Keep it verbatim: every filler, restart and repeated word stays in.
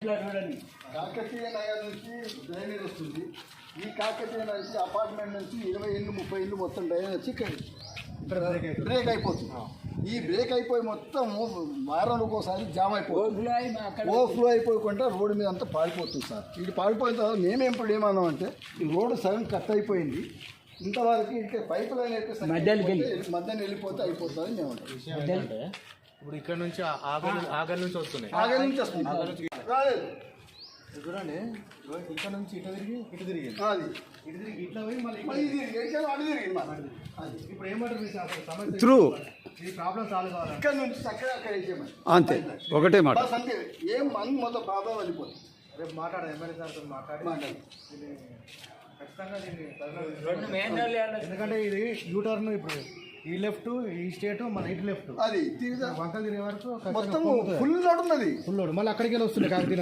కాకతీయ నగర్ నుంచి డ్రైనేజ్ వస్తుంది. ఈ కాకతీయ నుంచి అపార్ట్మెంట్ నుంచి ఇరవై ఇళ్ళు ముప్పై ఇళ్ళు మొత్తం డ్రైనేజ్ వచ్చి బ్రేక్ అయిపోతుంది. ఈ బ్రేక్ అయిపోయి మొత్తం వారానికి ఒకసారి జామ్ అయిపోతుంది. ఓవర్ఫ్లో అయిపోకుండా రోడ్డు మీద అంతా పాడిపోతుంది సార్. ఇది పాడిపోయిన తర్వాత మేమేం ఇప్పుడు ఏమన్నామంటే ఈ రోడ్డు సగం కట్ అయిపోయింది, ఇంతవరకు ఇక్కడ పైప్ లైన్ అయితే మధ్యాహ్నం వెళ్ళిపోతే అయిపోతుంది మేము అంటాం. ఇప్పుడు ఇక్కడ నుంచి ఆగర్ నుంచి వస్తున్నాయి, ఆగర్ నుంచి వస్తుంది రాలేదు చూడండి. ఇక్కడ నుంచి ఇటు తిరిగి ఇటు తిరిగి అది ఇటు తిరిగి ఇట్లా పోయి మళ్ళీ అటు తిరిగింది. అది ఇప్పుడు ఏమంటారు సమస్య త్రూ ఈ ప్రాబ్లం సాల్వ్ కావాలి. ఇక్కడ నుంచి చక్కగా అక్కడ వేసేయమని అంతే ఒకటే మాట. అంతే ఏం మంది మొత్తం ప్రాబ్లం వెళ్ళిపోతుంది. రేపు మాట్లాడాలి ఎమ్మెల్యే సార్తో మాట్లాడి మాట్లాడి ఖచ్చితంగా దీన్ని, ఎందుకంటే ఇది యూటర్న్ ఇప్పుడు ఈ లెఫ్ట్ ఈ స్టేట్ మన ఇటు లెఫ్ట్ అది వంకలు తిరిగే వరకు మొత్తం ఫుల్ లోడ్ ఉన్నది. ఫుల్ లోడ్ మళ్ళీ అక్కడికి వెళ్ళి వస్తుంది కాకతీయ